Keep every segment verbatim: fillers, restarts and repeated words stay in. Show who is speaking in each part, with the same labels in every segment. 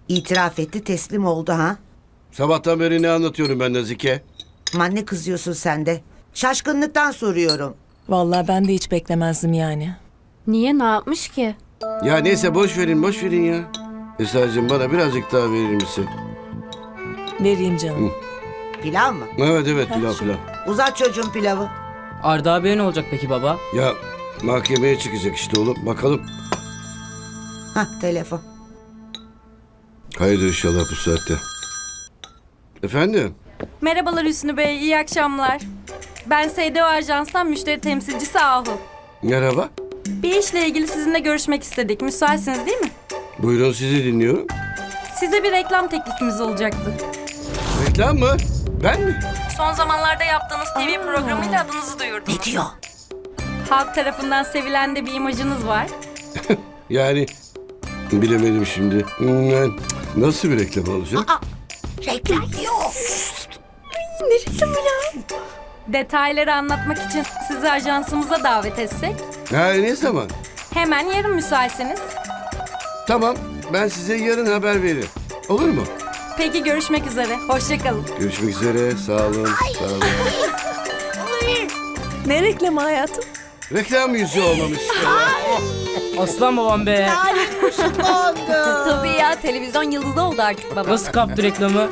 Speaker 1: İtiraf etti, teslim oldu ha.
Speaker 2: Sabahtan beri ne anlatıyorum ben Nazike?
Speaker 1: Aman ne kızıyorsun sen de? Şaşkınlıktan soruyorum.
Speaker 3: Vallahi ben de hiç beklemezdim yani.
Speaker 4: Niye, ne yapmış ki?
Speaker 2: Ya neyse boş verin boş verin ya. Esra'cığım bana birazcık daha verir misin?
Speaker 3: Vereyim canım.
Speaker 1: Pilav mı?
Speaker 2: Evet evet
Speaker 3: Ha,
Speaker 2: pilav
Speaker 3: şu-
Speaker 2: pilav.
Speaker 1: Uzat çocuğun pilavı.
Speaker 5: Arda abiye ne olacak peki baba?
Speaker 2: Ya mahkemeye çıkacak işte oğlum bakalım.
Speaker 1: Hah, telefon.
Speaker 2: Hayırdır inşallah bu saatte. Efendim?
Speaker 4: Merhabalar Hüsnü Bey, iyi akşamlar. Ben S D O Ajans'tan müşteri temsilcisi Ahu.
Speaker 2: Merhaba.
Speaker 4: Bir işle ilgili sizinle görüşmek istedik. Müsaitsiniz değil mi?
Speaker 2: Buyurun sizi dinliyorum.
Speaker 4: Size bir reklam teklifimiz olacaktı.
Speaker 2: Reklam mı? Ben mi?
Speaker 4: Son zamanlarda yaptığınız T V programıyla adınızı duyurdum.
Speaker 1: Ne diyor?
Speaker 4: Halk tarafından sevilen de bir imajınız var.
Speaker 2: Yani bilemedim şimdi. Hmm, yani nasıl bir reklam olacak?
Speaker 1: Aa, reklam diyor.
Speaker 4: Detayları anlatmak için sizi ajansımıza davet etsek.
Speaker 2: Ha ne zaman?
Speaker 4: Hemen yarın müsaitseniz.
Speaker 2: Tamam ben size yarın haber veririm. Olur mu?
Speaker 4: Peki görüşmek üzere. Hoşçakalın.
Speaker 2: Görüşmek üzere. Sağ olun. Sağ olun.
Speaker 3: Ne reklamı hayatım?
Speaker 2: Reklam yüzü olmamış.
Speaker 5: Aslan babam be.
Speaker 4: Tabii ya, televizyon yıldızı oldu artık baba.
Speaker 5: Nasıl kaptı reklamı?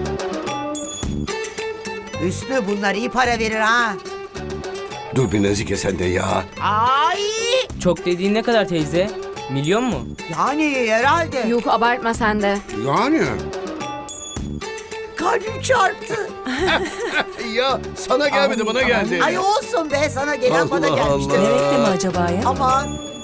Speaker 1: Hüsnü bunlar iyi para verir ha.
Speaker 2: Dur bir Nazike sen de ya.
Speaker 1: Ay,
Speaker 5: Çok dediğin ne kadar teyze? Milyon mu?
Speaker 1: yani herhalde.
Speaker 4: Yok, abartma sen de.
Speaker 2: Yani.
Speaker 1: Kalbim çarptı.
Speaker 2: Ya sana gelmedi bana geldi.
Speaker 1: Ay olsun be, sana gelen bana
Speaker 2: Allah
Speaker 1: gelmiştir.
Speaker 2: Allah.
Speaker 3: Ne reklamı acaba ya?
Speaker 1: Aman.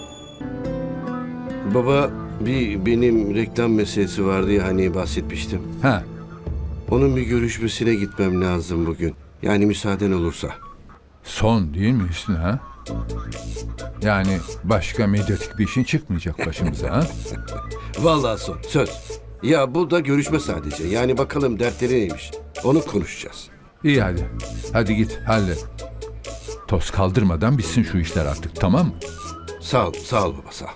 Speaker 2: Baba bir benim reklam meselesi vardı ya hani bahsetmiştim.
Speaker 6: Ha,
Speaker 2: Onun bir görüşmesine gitmem lazım bugün. Yani müsaaden olursa.
Speaker 6: son değil mi Hüsnü ha? Yani başka medyatik bir işin çıkmayacak başımıza ha?
Speaker 2: Vallahi son söz. Ya bu da görüşme sadece. Yani bakalım dertleri neymiş. Onu konuşacağız.
Speaker 6: İyi hadi. Hadi git hallet. Toz kaldırmadan bitsin şu işler artık, tamam mı?
Speaker 2: Sağ ol, sağ ol baba sağ ol.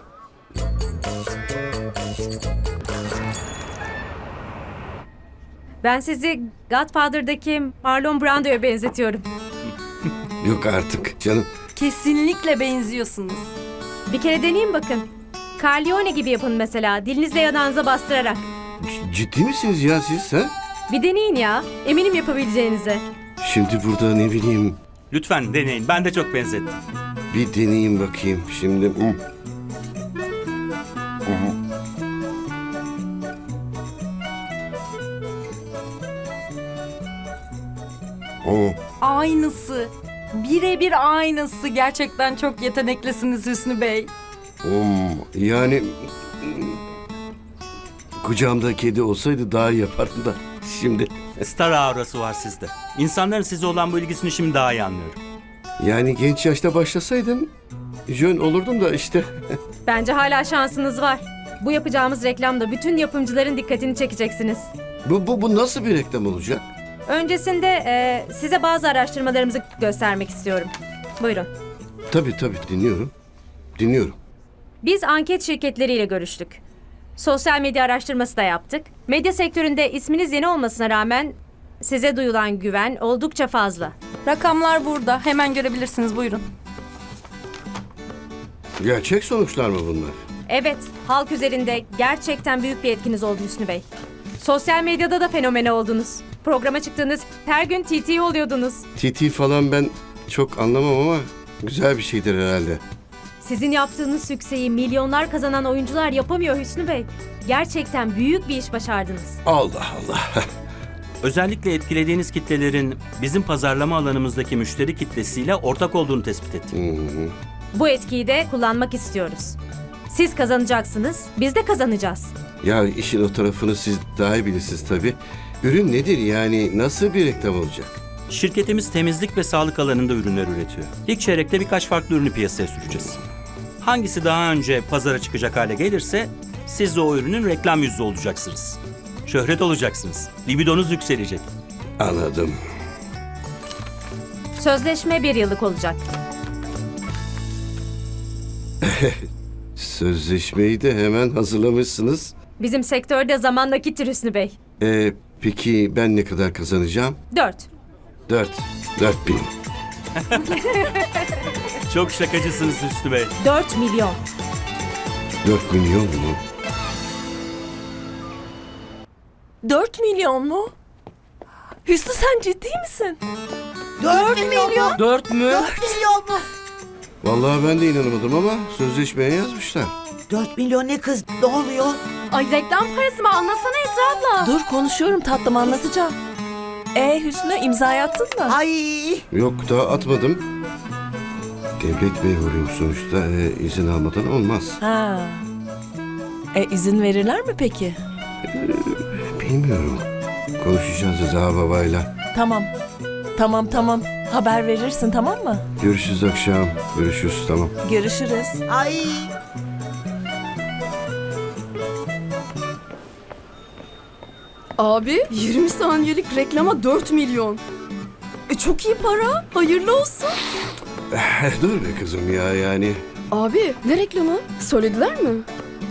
Speaker 7: Ben sizi Godfather'daki Marlon Brando'ya benzetiyorum.
Speaker 2: Yok artık canım.
Speaker 4: Kesinlikle benziyorsunuz.
Speaker 7: Bir kere deneyin bakın. Carlione gibi yapın mesela, dilinizle yanağınıza bastırarak.
Speaker 2: C- ciddi misiniz ya siz ha?
Speaker 7: Bir deneyin ya, eminim yapabileceğinize.
Speaker 2: Şimdi burada ne bileyim
Speaker 8: Lütfen deneyin. Ben de çok benzettim.
Speaker 2: bir deneyeyim bakayım. Şimdi hı. Oo,
Speaker 4: Aynısı. Birebir aynısı. Gerçekten çok yeteneklisiniz Hüsnü Bey.
Speaker 2: oo. Yani kucağımda kedi olsaydı daha iyi yapardım da şimdi.
Speaker 8: Star aurası var sizde. İnsanların size olan bu ilgisini şimdi daha iyi anlıyorum.
Speaker 2: Yani genç yaşta başlasaydım jön olurdum da işte.
Speaker 7: Bence hala şansınız var. Bu yapacağımız reklamda bütün yapımcıların dikkatini çekeceksiniz.
Speaker 2: Bu, bu, bu nasıl bir reklam olacak?
Speaker 7: Öncesinde e, size bazı araştırmalarımızı göstermek istiyorum. Buyurun.
Speaker 2: Tabii tabii dinliyorum. Dinliyorum.
Speaker 7: Biz anket şirketleriyle görüştük. Sosyal medya araştırması da yaptık. Medya sektöründe isminiz yeni olmasına rağmen size duyulan güven oldukça fazla.
Speaker 4: Rakamlar burada. Hemen görebilirsiniz. Buyurun.
Speaker 2: Gerçek sonuçlar mı bunlar?
Speaker 7: Evet, halk üzerinde gerçekten büyük bir etkiniz oldu Hüsnü Bey. Sosyal medyada da fenomene oldunuz. Programa çıktığınız her gün T T oluyordunuz.
Speaker 2: T T falan ben çok anlamam ama güzel bir şeydir herhalde.
Speaker 7: Sizin yaptığınız sükseyi milyonlar kazanan oyuncular yapamıyor Hüsnü Bey. Gerçekten büyük bir iş başardınız.
Speaker 2: Allah Allah.
Speaker 8: Özellikle etkilediğiniz kitlelerin bizim pazarlama alanımızdaki müşteri kitlesiyle ortak olduğunu tespit ettim.
Speaker 7: Bu etkiyi de kullanmak istiyoruz. Siz kazanacaksınız, biz de kazanacağız.
Speaker 2: Ya işin o tarafını siz daha iyi bilirsiniz tabii. Ürün nedir yani nasıl bir reklam olacak?
Speaker 8: Şirketimiz temizlik ve sağlık alanında ürünler üretiyor. İlk çeyrekte birkaç farklı ürünü piyasaya süreceğiz. Hangisi daha önce pazara çıkacak hale gelirse siz de o ürünün reklam yüzü olacaksınız. Şöhret olacaksınız. Libidonuz yükselecek.
Speaker 2: Anladım.
Speaker 7: Sözleşme bir yıllık olacak.
Speaker 2: Sözleşmeyi de hemen hazırlamışsınız.
Speaker 7: Bizim sektörde zaman nakittir Hüsnü Bey.
Speaker 2: Ee, peki ben ne kadar kazanacağım?
Speaker 7: Dört.
Speaker 2: Dört. Dört bin.
Speaker 8: Çok şakacısınız Hüsnü Bey.
Speaker 7: Dört milyon.
Speaker 2: Dört milyon mu?
Speaker 3: Dört milyon mu? Hüsnü sen ciddi misin?
Speaker 1: Dört milyon.
Speaker 5: Dört mü?
Speaker 1: Milyon mu?
Speaker 2: Vallahi ben de inanamadım ama sözleşmeye yazmışlar.
Speaker 1: Dört milyon ne kız? Ne oluyor?
Speaker 4: Ay reklam parası mı? Anlasana Esra abla.
Speaker 3: Dur konuşuyorum tatlım anlatacağım. E Hüsnü imzayı attın mı?
Speaker 1: Ay.
Speaker 2: Yok daha atmadım. Devlet memuruyum sonuçta. Ee, izin almadan olmaz.
Speaker 3: Ha. E izin verirler mi peki?
Speaker 2: Bilmiyorum. Konuşacağız Rıza babayla.
Speaker 3: Tamam. Tamam tamam. Haber verirsin tamam mı?
Speaker 2: Görüşürüz akşam. Görüşürüz tamam.
Speaker 3: Görüşürüz.
Speaker 1: Ay.
Speaker 9: Abi yirmi saniyelik reklama dört milyon. E çok iyi para. Hayırlı olsun.
Speaker 2: Dur be kızım ya yani.
Speaker 9: Abi ne reklamı? Söylediler mi?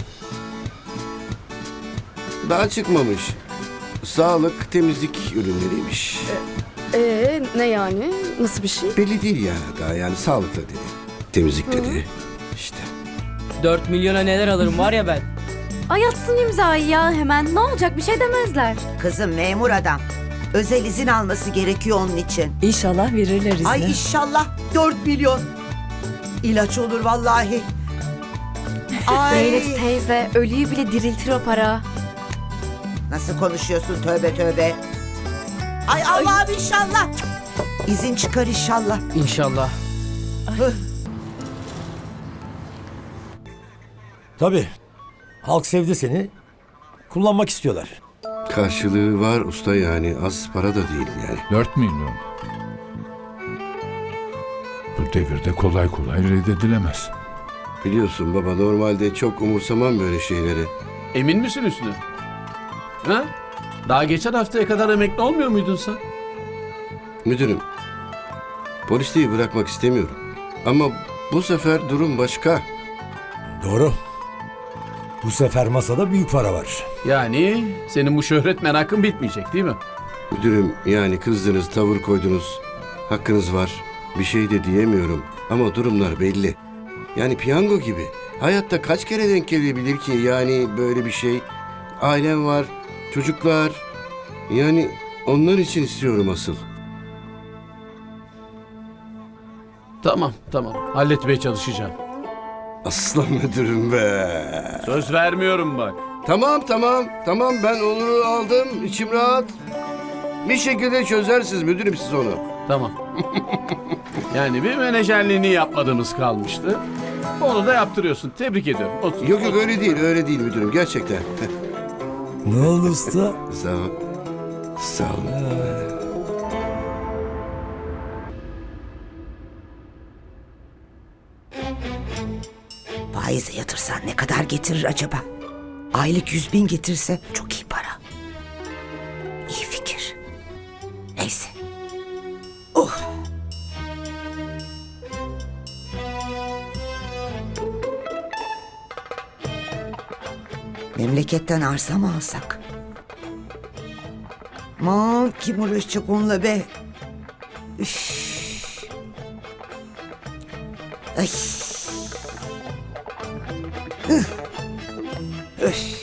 Speaker 2: Daha çıkmamış. Sağlık, temizlik ürünleriymiş.
Speaker 9: Ee ne yani? Nasıl bir şey?
Speaker 2: Belli değil ya daha yani sağlıkla dedi. Temizlik dedi. İşte.
Speaker 5: Dört milyona neler alırım var ya ben.
Speaker 4: Ay atsın imzayı ya hemen. Ne olacak bir şey demezler.
Speaker 1: Kızım memur adam. Özel izin alması gerekiyor onun için.
Speaker 3: İnşallah verirler izni.
Speaker 1: Ay inşallah dört milyon. İlaç olur vallahi. Ay.
Speaker 4: Zeynep teyze ölüyü bile diriltir o para.
Speaker 1: Nasıl konuşuyorsun tövbe tövbe. Ay Allah'ım inşallah. İzin çıkar inşallah.
Speaker 5: İnşallah.
Speaker 10: Tabii. Halk sevdi seni. Kullanmak istiyorlar.
Speaker 2: Karşılığı var usta yani az para da değil yani.
Speaker 6: Dört milyon. Bu devirde kolay kolay reddedilemez.
Speaker 2: Biliyorsun baba normalde çok umursamam böyle şeyleri.
Speaker 11: Emin misin Hüsnü? Ha? Daha geçen haftaya kadar emekli olmuyor muydun sen?
Speaker 2: Müdürüm, polisliği bırakmak istemiyorum. Ama bu sefer durum başka.
Speaker 10: Doğru. Bu sefer masada büyük para var.
Speaker 11: Yani senin bu şöhret merakın bitmeyecek değil mi?
Speaker 2: Müdürüm yani kızdınız, tavır koydunuz. Hakkınız var. Bir şey de diyemiyorum. Ama durumlar belli. Yani piyango gibi. Hayatta kaç kere denk gelebilir ki yani böyle bir şey? Ailem var, çocuklar. Yani onlar için istiyorum asıl.
Speaker 11: Tamam tamam halletmeye çalışacağım.
Speaker 2: Aslan müdürüm be.
Speaker 11: Söz vermiyorum bak.
Speaker 2: Tamam tamam tamam ben Onur'u aldım. İçim rahat. Bir şekilde çözersiniz müdürüm siz onu.
Speaker 11: Tamam. Yani bir menajerliğini yapmadığımız kalmıştı. Onu da yaptırıyorsun. Tebrik ediyorum. Otur.
Speaker 2: Yok yok öyle değil öyle değil müdürüm gerçekten.
Speaker 10: Ne oldu usta?
Speaker 2: Sağ ol. Sağ ol.
Speaker 1: Faize yatırsan ne kadar getirir acaba? Aylık yüz bin getirse çok iyi para. İyi fikir. Neyse. Oh. Memleketten arsa mı alsak? Aman kim uğraşacak onunla be? Üf. Ay. Üf. Üf.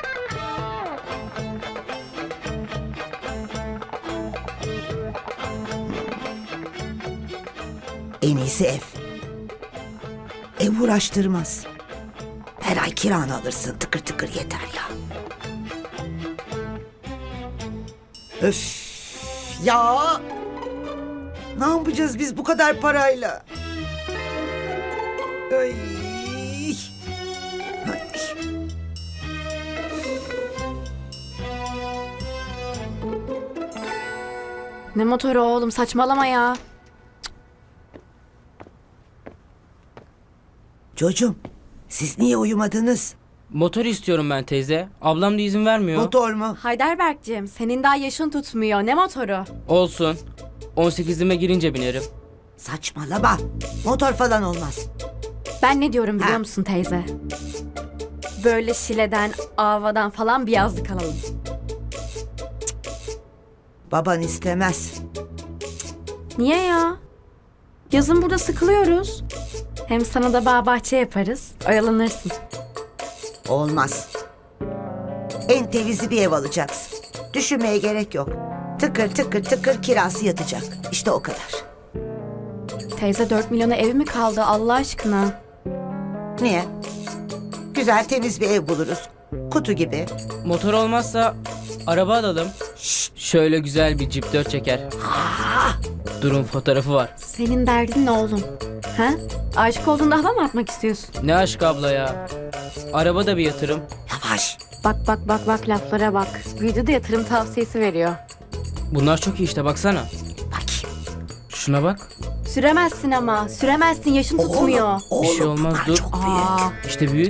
Speaker 1: En iyisi ev. Ev uğraştırmaz. Her ay kiranı alırsın tıkır tıkır yeter ya. Öf ya. Ne yapacağız biz bu kadar parayla? Ay. Ay.
Speaker 4: Ne motoru oğlum saçmalama ya.
Speaker 1: Çocuğum siz niye uyumadınız?
Speaker 5: Motor istiyorum ben teyze. Ablam da izin vermiyor.
Speaker 1: Motor mu?
Speaker 4: Heidelberg'cim senin daha yaşın tutmuyor. Ne motoru?
Speaker 5: Olsun. on sekizime girince binerim.
Speaker 1: Saçmalama. Motor falan olmaz.
Speaker 4: Ben ne diyorum biliyor
Speaker 1: Ha.
Speaker 4: musun teyze?
Speaker 9: böyle Şile'den, Ava'dan falan bir yazlık alalım.
Speaker 1: Baban istemez.
Speaker 9: Niye ya? Yazın burada sıkılıyoruz. Hem sana da bağ bahçe yaparız. Oyalanırsın.
Speaker 1: Olmaz. En temizi bir ev alacaksın. Düşünmeye gerek yok. Tıkır tıkır tıkır kirası yatacak. İşte o kadar.
Speaker 9: Teyze dört milyona ev mi kaldı Allah aşkına?
Speaker 1: Niye? Güzel temiz bir ev buluruz. Kutu gibi.
Speaker 5: Motor olmazsa araba alalım. Şöyle güzel bir Jeep dört çeker. Durun fotoğrafı var.
Speaker 9: Senin derdin ne oğlum? Ha? Aşık olduğunda hava mı atmak istiyorsun?
Speaker 5: Ne aşk abla ya. Araba da bir yatırım.
Speaker 1: Yavaş.
Speaker 9: Bak bak bak bak laflara bak. Büyüdü de yatırım tavsiyesi veriyor.
Speaker 5: Bunlar çok iyi işte baksana.
Speaker 1: Bakayım.
Speaker 5: Şuna bak.
Speaker 9: Süremezsin ama. Süremezsin yaşın tutmuyor.
Speaker 1: Oğlum, oğlum,
Speaker 5: Bir şey olmaz,
Speaker 1: bunlar
Speaker 5: dur.
Speaker 1: çok büyük.
Speaker 9: Aa,
Speaker 5: İşte büyük.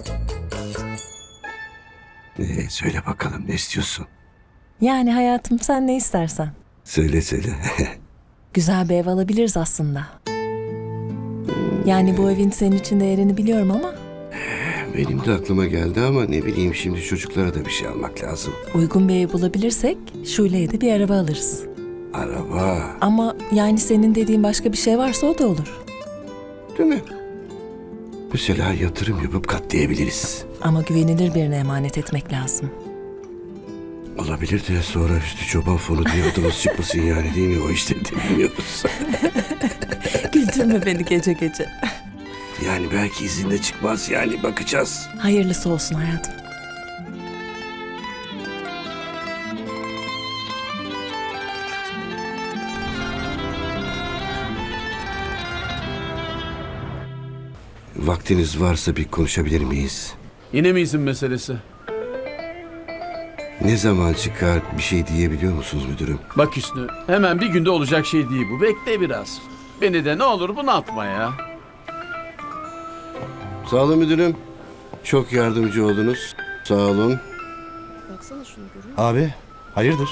Speaker 2: Ee, söyle bakalım ne istiyorsun?
Speaker 3: Yani hayatım sen ne istersen.
Speaker 2: Söyle söyle.
Speaker 3: Güzel bir ev alabiliriz aslında. Yani bu evin senin için değerini biliyorum ama
Speaker 2: Benim de aklıma geldi ama ne bileyim şimdi çocuklara da bir şey almak lazım.
Speaker 3: uygun bir ev bulabilirsek Şule'ye de bir araba alırız.
Speaker 2: Araba.
Speaker 3: Ama yani senin dediğin başka bir şey varsa o da olur.
Speaker 2: Değil mi? Mesela yatırım yapıp katlayabiliriz.
Speaker 3: Ama güvenilir birine emanet etmek lazım.
Speaker 2: Olabilir de sonra üstü çoban fonu diye adımız çıkmasın yani değil mi? O işleri de bilmiyoruz.
Speaker 3: Güldürme beni gece gece.
Speaker 2: Yani belki izinde çıkmaz yani bakacağız.
Speaker 3: Hayırlısı olsun hayatım.
Speaker 2: Vaktiniz varsa bir konuşabilir miyiz?
Speaker 11: Yine mi izin meselesi?
Speaker 2: Ne zaman çıkar bir şey diyebiliyor musunuz müdürüm?
Speaker 11: Bak Hüsnü, hemen bir günde olacak şey değil bu. Bekle biraz. Beni de ne olur bunaltma ya.
Speaker 2: Sağ olun müdürüm. Çok yardımcı oldunuz. Sağ olun.
Speaker 10: Abi hayırdır?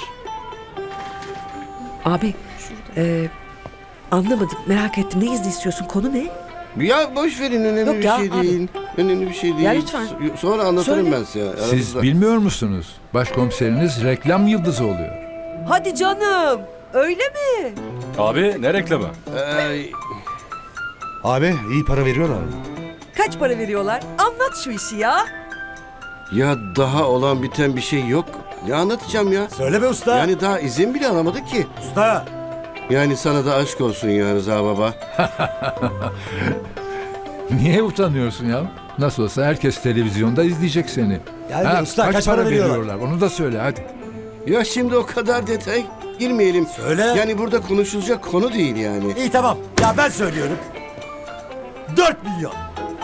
Speaker 1: Abi, e, anlamadım. Merak ettim. Ne izni istiyorsun? Konu ne?
Speaker 2: Ya boş verin önemli
Speaker 1: Yok
Speaker 2: bir
Speaker 1: ya,
Speaker 2: şey
Speaker 1: abi.
Speaker 2: değil. Önemli bir şey değil.
Speaker 1: Ya lütfen.
Speaker 2: So- Sonra anlatırım
Speaker 1: Söyle.
Speaker 2: ben size.
Speaker 6: Siz
Speaker 2: aramızda.
Speaker 6: bilmiyor musunuz? Başkomiseriniz reklam yıldızı oluyor.
Speaker 1: Hadi canım. Öyle mi?
Speaker 12: Abi ne reklamı?
Speaker 2: Ee,
Speaker 10: Abi iyi para veriyorlar mı?
Speaker 1: Kaç para veriyorlar? Anlat şu işi ya.
Speaker 2: ya daha olan biten bir şey yok. Ne anlatacağım ya?
Speaker 10: Söyle be usta.
Speaker 2: Yani daha izin bile alamadık ki.
Speaker 10: Usta.
Speaker 2: Yani sana da aşk olsun ya Rıza baba.
Speaker 6: Niye utanıyorsun ya? Nasıl olsa herkes televizyonda izleyecek seni.
Speaker 10: Yani usta, kaç para veriyorlar?
Speaker 6: Onu da söyle hadi.
Speaker 2: Ya şimdi o kadar detay girmeyelim.
Speaker 10: Söyle.
Speaker 2: Yani burada konuşulacak konu değil yani.
Speaker 10: İyi tamam. Ya ben söylüyorum. Dört milyon.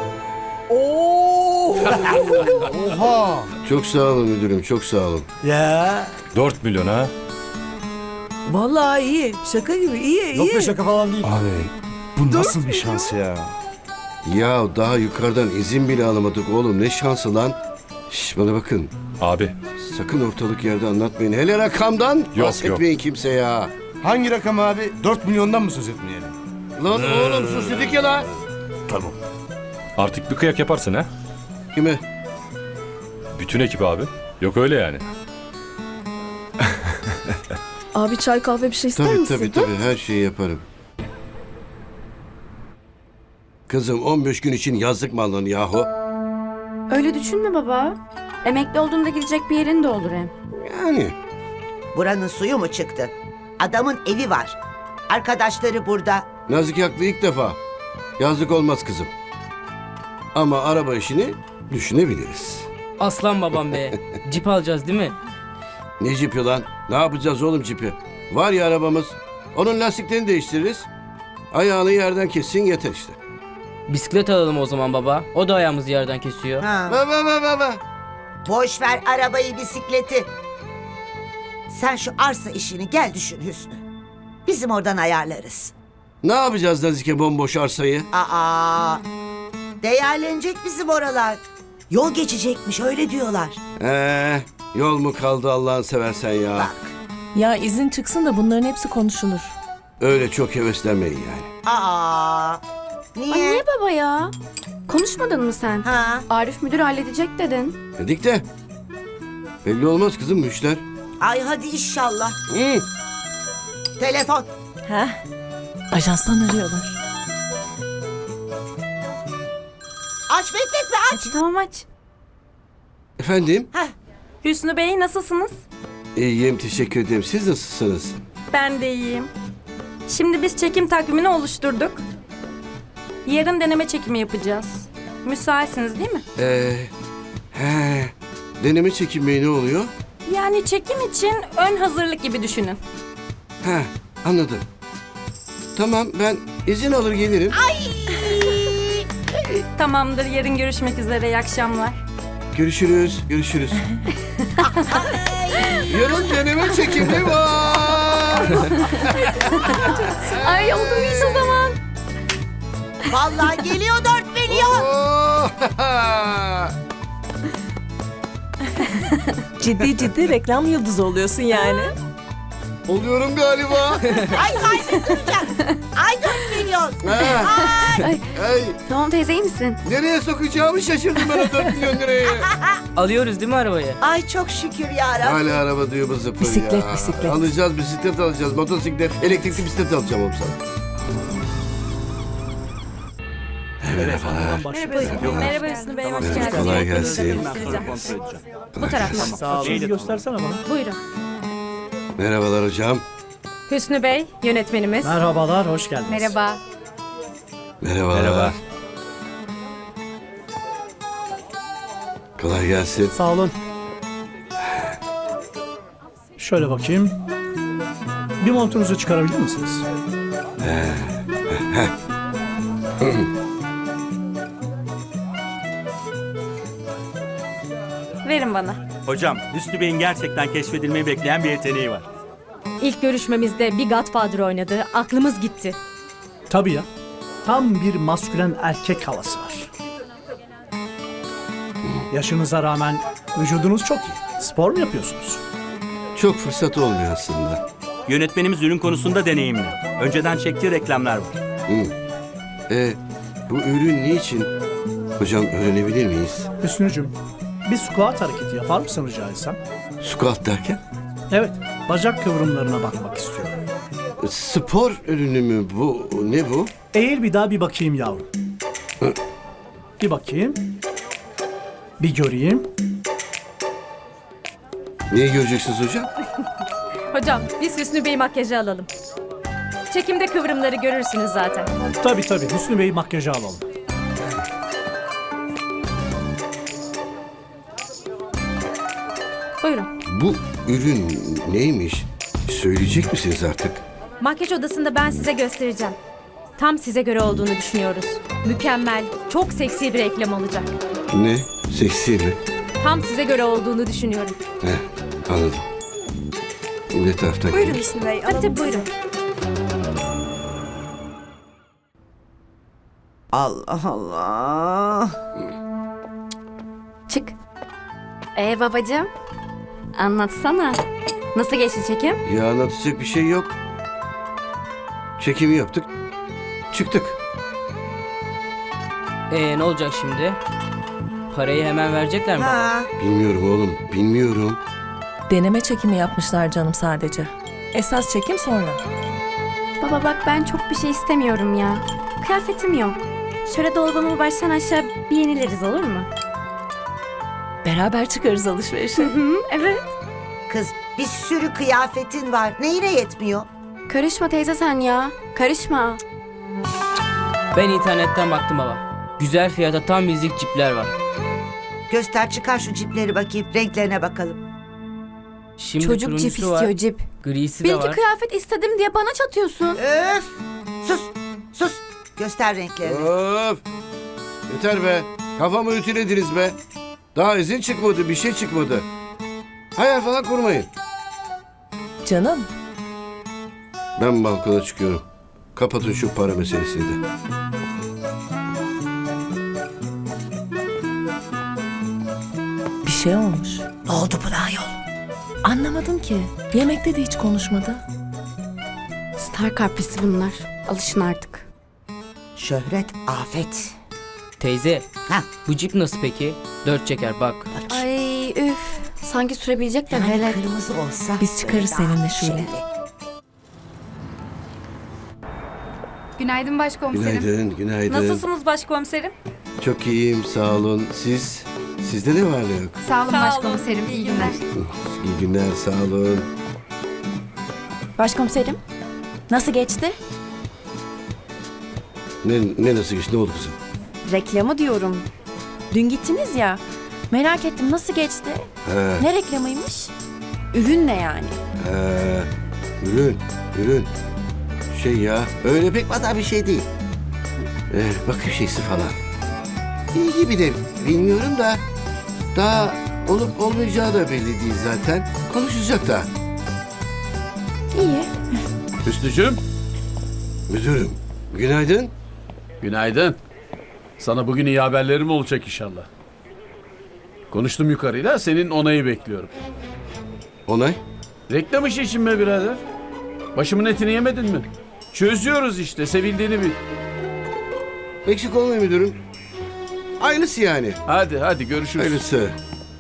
Speaker 1: Oo.
Speaker 10: Oha.
Speaker 2: Çok sağ olun müdürüm, çok sağ olun.
Speaker 10: Ya.
Speaker 12: dört milyon ha?
Speaker 1: Vallahi iyi. Şaka gibi iyi iyi.
Speaker 10: Yok be şaka falan değil.
Speaker 12: Abi bu nasıl bir şans ya?
Speaker 2: Ya daha yukarıdan izin bile alamadık oğlum. Ne şansı lan. Şş bana bakın.
Speaker 12: Abi
Speaker 2: Sakın ortalık yerde anlatmayın. Hele rakamdan
Speaker 12: Yok,
Speaker 2: bahsetmeyin kimse ya.
Speaker 10: Hangi rakam abi? Dört milyondan mı söz etmeyelim?
Speaker 2: Lan oğlum sus dedik ya la.
Speaker 10: Tamam.
Speaker 12: artık bir kıyak yaparsın ha?
Speaker 2: Kime?
Speaker 12: Bütün ekip abi. Yok öyle yani.
Speaker 9: Abi çay kahve bir şey ister
Speaker 2: Tabii
Speaker 9: misin?
Speaker 2: tabii tabii her şeyi yaparım. Kızım on beş gün için yazlık mı aldın yahu?
Speaker 9: Öyle düşünme baba. Emekli olduğunda gidecek bir yerin de olur hem.
Speaker 2: Yani.
Speaker 1: Buranın suyu mu çıktı? Adamın evi var. Arkadaşları burada.
Speaker 2: Nazik haklı ilk defa. Yazlık olmaz kızım. Ama araba işini düşünebiliriz.
Speaker 5: Aslan babam be. Jeep alacağız değil mi?
Speaker 2: Ne cipi lan? Ne yapacağız oğlum cipi? Var ya arabamız. Onun lastiklerini değiştiririz. Ayağını yerden kessin yeter işte.
Speaker 5: Bisiklet alalım o zaman baba. O da ayağımızı yerden kesiyor.
Speaker 1: Ha.
Speaker 2: Ba ba ba ba ba.
Speaker 1: Boş ver arabayı, bisikleti. Sen şu arsa işini gel düşün Hüsnü. Bizim oradan ayarlarız.
Speaker 2: Ne yapacağız Nazike bomboş arsayı?
Speaker 1: Aa, değerlenecek bizim oralar. Yol geçecekmiş öyle diyorlar.
Speaker 2: Ee, yol mu kaldı Allah'ını seversen ya?
Speaker 1: Bak.
Speaker 3: Ya izin çıksın da bunların hepsi konuşulur.
Speaker 2: Öyle çok heveslenmeyin yani.
Speaker 1: Aa, niye?
Speaker 9: Ay niye baba ya? Konuşmadın mı sen?
Speaker 1: Ha?
Speaker 9: Arif müdür halledecek dedin.
Speaker 2: Dedik de. Belli olmaz kızım bu işler.
Speaker 1: Ay hadi inşallah.
Speaker 2: Hı.
Speaker 1: Telefon.
Speaker 3: Heh. Ajanstan arıyorlar.
Speaker 1: Aç bekletme aç.
Speaker 9: Tamam aç.
Speaker 2: Efendim?
Speaker 4: Hüsnü Bey nasılsınız?
Speaker 2: İyiyim teşekkür ederim. Siz nasılsınız?
Speaker 4: Ben de iyiyim. Şimdi biz çekim takvimini oluşturduk. Yarın deneme çekimi yapacağız. Müsaitsiniz değil mi?
Speaker 2: Ee, he, deneme çekinmeyi ne oluyor?
Speaker 4: Yani çekim için ön hazırlık gibi düşünün.
Speaker 2: He, anladım. Tamam ben izin alır gelirim.
Speaker 4: Tamamdır, yarın görüşmek üzere. İyi akşamlar.
Speaker 2: Görüşürüz, görüşürüz. Yarın deneme çekimi var.
Speaker 9: Ay oldu muyuz o zaman?
Speaker 1: Vallahi geliyor dört milyon.
Speaker 2: Oo!
Speaker 3: Ciddi ciddi reklam yıldızı oluyorsun yani.
Speaker 2: Oluyorum galiba.
Speaker 1: Ay kaybettireceğim. Ay dört milyon.
Speaker 2: Ha,
Speaker 9: Ay,
Speaker 2: ay,
Speaker 9: tamam teyze iyi misin?
Speaker 2: nereye sokacağımı şaşırdım ben o dört milyon lirayı.
Speaker 5: Alıyoruz değil mi arabayı?
Speaker 1: Ay çok şükür ya Rabbi.
Speaker 2: Hala araba diyor bu zıpır
Speaker 3: Bisiklet,
Speaker 2: ya.
Speaker 3: bisiklet.
Speaker 2: Alacağız bisiklet alacağız. Motosiklet, elektrikli bisiklet alacağım oğlum sana. Merhabalar.
Speaker 4: Merhaba Hüsnü Bey, hoş
Speaker 2: Evet,
Speaker 4: geldiniz.
Speaker 2: kolay gelsin.
Speaker 8: Ben sonra kontrol edeceğim.
Speaker 7: Bu taraftan.
Speaker 5: Sağ olun.
Speaker 11: göstersene bana.
Speaker 7: Buyurun.
Speaker 2: Merhabalar hocam.
Speaker 7: Hüsnü Bey, yönetmenimiz.
Speaker 11: Merhabalar, hoş geldiniz.
Speaker 7: Merhaba.
Speaker 2: Merhabalar.
Speaker 8: Merhaba.
Speaker 2: Kolay gelsin.
Speaker 11: Sağ olun. Şöyle bakayım. Bir montunuzu çıkarabilir misiniz?
Speaker 4: Verin bana.
Speaker 8: Hocam, Hüsnü Bey'in gerçekten keşfedilmeyi bekleyen bir yeteneği var.
Speaker 7: İlk görüşmemizde bir Godfather oynadı. Aklımız gitti.
Speaker 11: Tabii ya. Tam bir maskülen erkek havası var. Yaşınıza rağmen vücudunuz çok iyi. Spor mu yapıyorsunuz?
Speaker 2: Çok fırsat olmuyor aslında.
Speaker 8: Yönetmenimiz ürün konusunda deneyimli. Önceden çektiği reklamlar var.
Speaker 2: E, bu ürün niçin? Hocam öğrenebilir miyiz?
Speaker 11: Hüsnücüm, bir squat hareketi yapar mısın rica etsem?
Speaker 2: Squat derken?
Speaker 11: Evet, bacak kıvrımlarına bakmak istiyorum.
Speaker 2: E, Spor ürünü mü bu? Ne bu?
Speaker 11: Eğil bir daha bir bakayım yavrum. Bir bakayım. Bir göreyim.
Speaker 2: Neyi göreceksiniz hocam?
Speaker 7: Hocam, biz Hüsnü Bey makyajı alalım. Çekimde kıvrımları görürsünüz zaten.
Speaker 11: Tabii tabii, Hüsnü Bey makyajı alalım.
Speaker 7: Buyurun.
Speaker 2: Bu ürün neymiş? Söyleyecek misiniz artık?
Speaker 7: Makyaj odasında ben size göstereceğim. Tam size göre olduğunu düşünüyoruz. Mükemmel, çok seksi bir reklam olacak.
Speaker 2: Ne? Seksi mi?
Speaker 7: Tam size göre olduğunu düşünüyorum.
Speaker 2: Heh, anladım. Ne taraftan
Speaker 3: Buyurun
Speaker 2: gelir?
Speaker 3: Hüsnü Bey.
Speaker 7: Hadi
Speaker 3: alalım
Speaker 7: buyurun.
Speaker 1: Allah Allah.
Speaker 9: Çık. Ee babacığım, anlatsana. Nasıl geçti çekim?
Speaker 2: Ya anlatacak bir şey yok. Çekimi yaptık. Çıktık.
Speaker 5: Ee ne olacak şimdi? Parayı hemen verecekler mi?
Speaker 1: Ha.
Speaker 2: Bilmiyorum oğlum. Bilmiyorum.
Speaker 3: Deneme çekimi yapmışlar canım sadece. Esas çekim sonra.
Speaker 9: Baba bak ben çok bir şey istemiyorum ya. Kıyafetim yok. Şöyle dolabımı baştan aşağı bir yenileriz olur mu?
Speaker 3: Beraber çıkarız alışverişe.
Speaker 9: Hı, evet.
Speaker 1: Kız bir sürü kıyafetin var. Neyine yetmiyor?
Speaker 9: Karışma teyze sen ya. Karışma.
Speaker 5: Ben internetten baktım baba. Güzel fiyata tam bizlik cipler var.
Speaker 1: Göster çıkar şu cipleri bakayım. Renklerine bakalım.
Speaker 5: Şimdi
Speaker 9: Çocuk
Speaker 5: turuncusu
Speaker 9: cip
Speaker 5: var,
Speaker 9: istiyor cip.
Speaker 5: grisi
Speaker 9: Bir
Speaker 5: de
Speaker 9: iki
Speaker 5: var.
Speaker 9: kıyafet istedim diye bana çatıyorsun.
Speaker 1: Öf. Sus. Sus. Göster renklerini.
Speaker 2: Of! Yeter be. Kafamı ütülediniz be. Daha izin çıkmadı, bir şey çıkmadı. Hayal falan kurmayın.
Speaker 3: Canım,
Speaker 2: Ben balkona çıkıyorum. Kapatın şu para meselesini de.
Speaker 3: bir şey olmuş.
Speaker 1: Ne oldu buna ayol?
Speaker 3: Anlamadım ki. Yemekte de hiç konuşmadı.
Speaker 9: Star kaprisi bunlar. Alışın artık.
Speaker 1: Şöhret afet.
Speaker 5: Teyze,
Speaker 1: Ha.
Speaker 5: bu cip nasıl peki? Dört çeker bak.
Speaker 9: Ay üf. Sanki sürebilecekler
Speaker 1: Yani
Speaker 9: hele.
Speaker 1: kırmızı olsa.
Speaker 3: Biz çıkarız
Speaker 1: böyle daha
Speaker 3: seninle Şule.
Speaker 1: şeydi.
Speaker 9: Günaydın başkomiserim.
Speaker 2: Günaydın, günaydın.
Speaker 4: Nasılsınız başkomiserim?
Speaker 2: Çok iyiyim, sağ olun. Siz? Sizde ne var ne yok?
Speaker 9: Sağ olun
Speaker 4: Sağ olun.
Speaker 9: başkomiserim. İyi günler.
Speaker 2: İyi günler, sağ olun.
Speaker 3: Başkomiserim, nasıl geçti?
Speaker 2: Ne, ne nasıl geçti, ne oldu kızım?
Speaker 3: Reklamı diyorum. Dün gittiniz ya. Merak ettim nasıl geçti?
Speaker 2: He,
Speaker 3: Ne reklamıymış? Ürün ne yani?
Speaker 2: he, ürün, ürün. Şey ya, öyle pek vada bir şey değil. Ee, bakım şeysi falan. İyi gibi de bilmiyorum da. Daha olup olmayacağı da belli değil zaten. Konuşacak da.
Speaker 3: İyi.
Speaker 11: Hüsnücüğüm,
Speaker 2: Müdürüm, günaydın.
Speaker 11: günaydın. Sana bugün iyi haberlerim olacak inşallah. Konuştum yukarıyla, senin onayı bekliyorum.
Speaker 2: Onay.
Speaker 11: Reklam işi için mi birader? Başımın etini yemedin mi? Çözüyoruz işte, sevildiğini bil.
Speaker 2: Eksik olmayın müdürüm. Aynısı yani.
Speaker 11: Hadi hadi görüşürüz.
Speaker 2: Hayırlısı.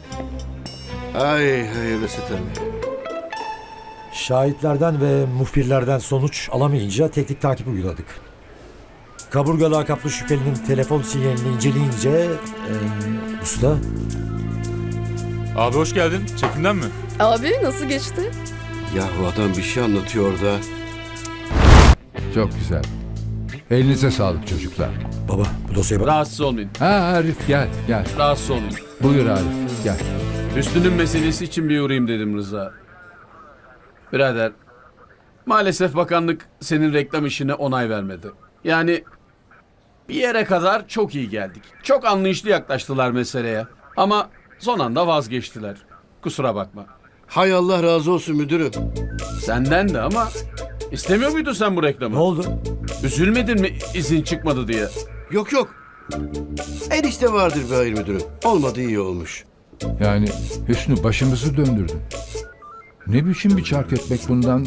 Speaker 2: Ay hayırlısı tabii.
Speaker 10: Şahitlerden ve muhbirlerden sonuç alamayınca teknik takip uyguladık. Kaburga lakaplı şüphelinin telefon sinyalini inceleyince... eee, usta...
Speaker 12: Abi hoş geldin. Çekimden mi?
Speaker 9: Abi nasıl geçti?
Speaker 2: Yahu adam bir şey anlatıyor da.
Speaker 6: Çok güzel. Elinize sağlık çocuklar.
Speaker 10: Baba bu dosyaya bak.
Speaker 11: Rahatsız olmayın.
Speaker 6: Ha Arif gel gel.
Speaker 11: Rahatsız olmayın.
Speaker 6: Buyur Arif gel.
Speaker 11: Hüsnü'nün meselesi için bir uğrayayım dedim Rıza. Birader, maalesef bakanlık senin reklam işine onay vermedi. Yani bir yere kadar çok iyi geldik. Çok anlayışlı yaklaştılar meseleye. Ama son anda vazgeçtiler. Kusura bakma.
Speaker 2: Hay Allah razı olsun müdürüm.
Speaker 11: Senden de ama istemiyor muydun sen bu reklamı?
Speaker 10: Ne oldu?
Speaker 11: Üzülmedin mi izin çıkmadı diye?
Speaker 2: Yok yok. Enişte vardır be hayır müdürüm. Olmadı iyi olmuş.
Speaker 6: Yani Hüsnü başımızı döndürdün. Ne biçim bir çark etmek bundan?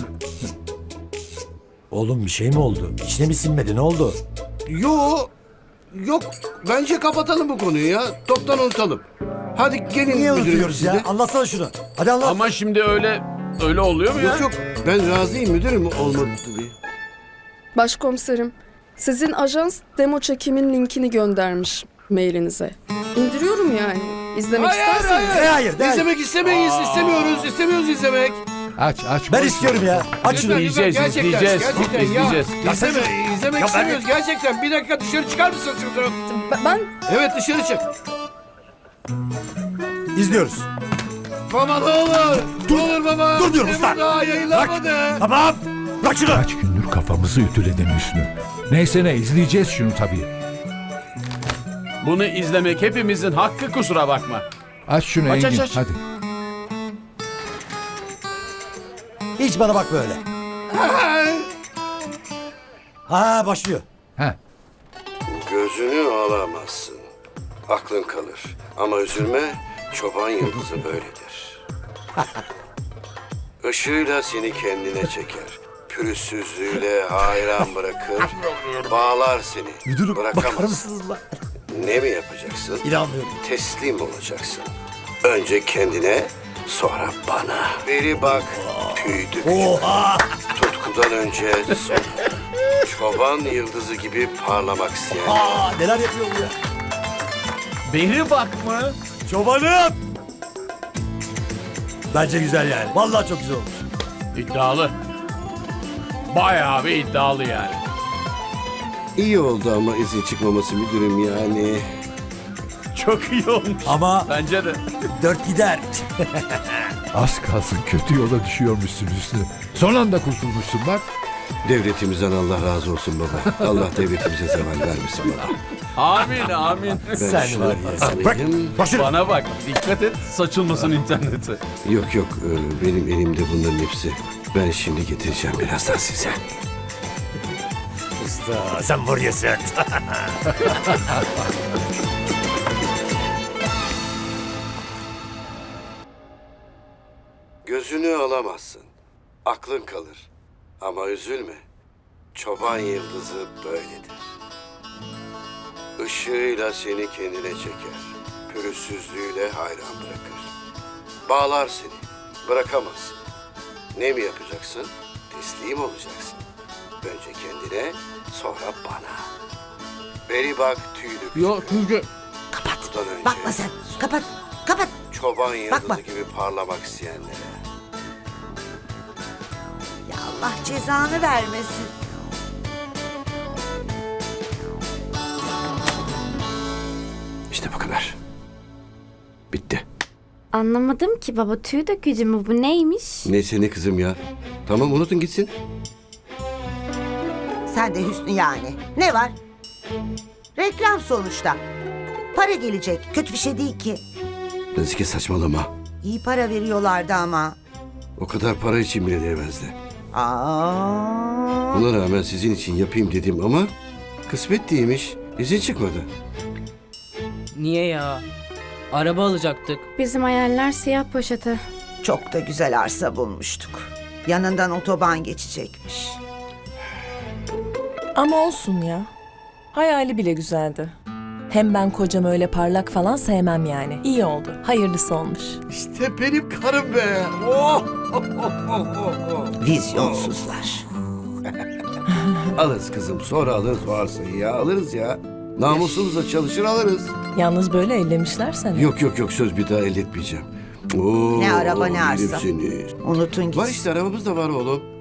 Speaker 10: Oğlum bir şey mi oldu? İçine mi sinmedi ne oldu?
Speaker 2: Yo, yok. Bence kapatalım bu konuyu ya. Toptan unutalım. Hadi gelin
Speaker 10: Niye
Speaker 2: müdürüm
Speaker 10: unutuyoruz
Speaker 2: siz
Speaker 10: ya?
Speaker 2: de.
Speaker 10: Anlatsana şunu. Hadi anlat.
Speaker 11: Ama şimdi öyle öyle oluyor mu ya?
Speaker 2: Yok yok. Ben razıyım müdürüm olmadı diye.
Speaker 13: Başkomiserim, sizin ajans demo çekimin linkini göndermiş mailinize. İndiriyorum yani. İzlemek
Speaker 2: Hayır
Speaker 13: isterseniz.
Speaker 2: hayır.
Speaker 10: Hayır, hayır.
Speaker 2: İzlemek istemeyiz. istemiyoruz. İstemiyoruz izlemek.
Speaker 6: Aç aç.
Speaker 10: Ben
Speaker 6: koy.
Speaker 10: istiyorum ya. Aç şunu.
Speaker 2: Lütfen, lütfen,
Speaker 11: İzleyeceğiz,
Speaker 2: gerçekten,
Speaker 11: izleyeceğiz.
Speaker 2: Gerçekten ya.
Speaker 11: İzleyeceğiz.
Speaker 2: İzleme, izlemek
Speaker 10: Ya ben-
Speaker 2: istemiyoruz gerçekten. Bir dakika dışarı çıkar mısın şuradan?
Speaker 13: Ben- Ben
Speaker 2: Evet dışarı çık.
Speaker 10: İzliyoruz.
Speaker 2: Baba ne olur.
Speaker 10: Dur.
Speaker 2: Ne olur baba.
Speaker 10: Dur diyorum
Speaker 2: Ne
Speaker 10: usta.
Speaker 2: bu Daha yayınlanmadı.
Speaker 10: Tamam. Bırak şunu.
Speaker 6: Kaç gündür kafamızı ütüledin Hüsnü. Neyse ne izleyeceğiz şunu tabii.
Speaker 11: Bunu izlemek hepimizin hakkı, kusura bakma.
Speaker 6: Aç şunu
Speaker 11: Aç,
Speaker 6: Engin
Speaker 11: aç, aç.
Speaker 6: hadi.
Speaker 10: Hiç bana bak böyle. Ha başlıyor.
Speaker 6: Ha.
Speaker 2: Gözünü alamazsın. Aklın kalır. Ama üzülme, çoban yıldızı böyledir. Işığıyla seni kendine çeker. Pürüzsüzlüğüyle hayran bırakır. Bağlar seni.
Speaker 10: Müdürüm bakar
Speaker 2: Bırakamaz.
Speaker 10: mısınız lan?
Speaker 2: Ne mi yapacaksın?
Speaker 10: İnanmıyorum.
Speaker 2: Teslim olacaksın. Önce kendine, sonra bana. Beri bak, tüydük.
Speaker 10: Oha.
Speaker 2: Tutkudan önce sonra. Çoban yıldızı gibi parlamak isteyen.
Speaker 10: Aa, neler yapıyor bu ya?
Speaker 11: Beri bak mı?
Speaker 10: Çobanım. Bence güzel yani. Vallahi çok güzel olmuş.
Speaker 11: İddialı. Bayağı bir iddialı yani.
Speaker 2: İyi oldu ama izin çıkmaması müdürüm yani.
Speaker 11: Çok iyi olmuş.
Speaker 10: Ama
Speaker 11: Bence de.
Speaker 10: dört gider.
Speaker 6: Az kalsın kötü yola düşüyormuşsun Hüsnü. Son anda kurtulmuşsun bak.
Speaker 2: Devletimizden Allah razı olsun baba. Allah devletimize zeval vermesin baba.
Speaker 11: Amin amin.
Speaker 2: Ben
Speaker 10: Sen
Speaker 2: şunu
Speaker 10: var ya. Bırak.
Speaker 2: alayım.
Speaker 10: Bak şunu.
Speaker 11: Bana bak, dikkat et, saçılmasın internete.
Speaker 2: Yok yok e, benim elimde bunların hepsi. Ben şimdi getireceğim birazdan size.
Speaker 10: Usta sen var ya sen.
Speaker 2: Gözünü alamazsın. Aklın kalır. Ama üzülme. Çoban yıldızı böyledir. Işığıyla seni kendine çeker. Pürüzsüzlüğüyle hayran bırakır. Bağlar seni. Bırakamazsın. Ne mi yapacaksın? Teslim olacaksın. Önce kendine, sonra bana. Beri bak tüylü
Speaker 5: Yok Hüsnü.
Speaker 1: Kapat.
Speaker 2: Bundan önce
Speaker 1: Bakma sen. Kapat. Kapat.
Speaker 2: çoban yıldızı
Speaker 1: Bakma.
Speaker 2: gibi parlamak isteyenlere.
Speaker 1: Ya Allah cezanı vermesin.
Speaker 2: İşte bu kadar. Bitti.
Speaker 9: Anlamadım ki baba, tüy dökücü mü bu, neymiş?
Speaker 2: Neyse ne kızım ya. Tamam unutun gitsin.
Speaker 1: Sen de Hüsnü yani. Ne var? Reklam sonuçta. Para gelecek. Kötü bir şey değil ki.
Speaker 2: Nazike saçmalama.
Speaker 1: İyi para veriyorlardı ama.
Speaker 2: O kadar para için bile değmezdi.
Speaker 1: Aa.
Speaker 2: Buna rağmen sizin için yapayım dedim ama kısmet değilmiş. İzin çıkmadı.
Speaker 5: Niye ya? Araba alacaktık.
Speaker 9: Bizim hayaller siyah poşete.
Speaker 1: Çok da güzel arsa bulmuştuk. Yanından otoban geçecekmiş.
Speaker 3: Ama olsun ya. Hayali bile güzeldi. Hem ben kocam öyle parlak falan sevmem yani. İyi oldu. Hayırlısı olmuş.
Speaker 2: İşte benim karım be. Oh!
Speaker 1: Vizyonsuzlar.
Speaker 2: Alırız kızım sonra alırız o arsayı ya alırız ya. Namusumuzla çalışır alırız.
Speaker 3: Yalnız böyle ellemişler seni.
Speaker 2: Yok yok yok söz bir daha elletmeyeceğim. Oo,
Speaker 1: Ne araba, ne arsa.
Speaker 2: yerim seni.
Speaker 1: Unutun gitsin.
Speaker 2: Var işte arabamız da var oğlum.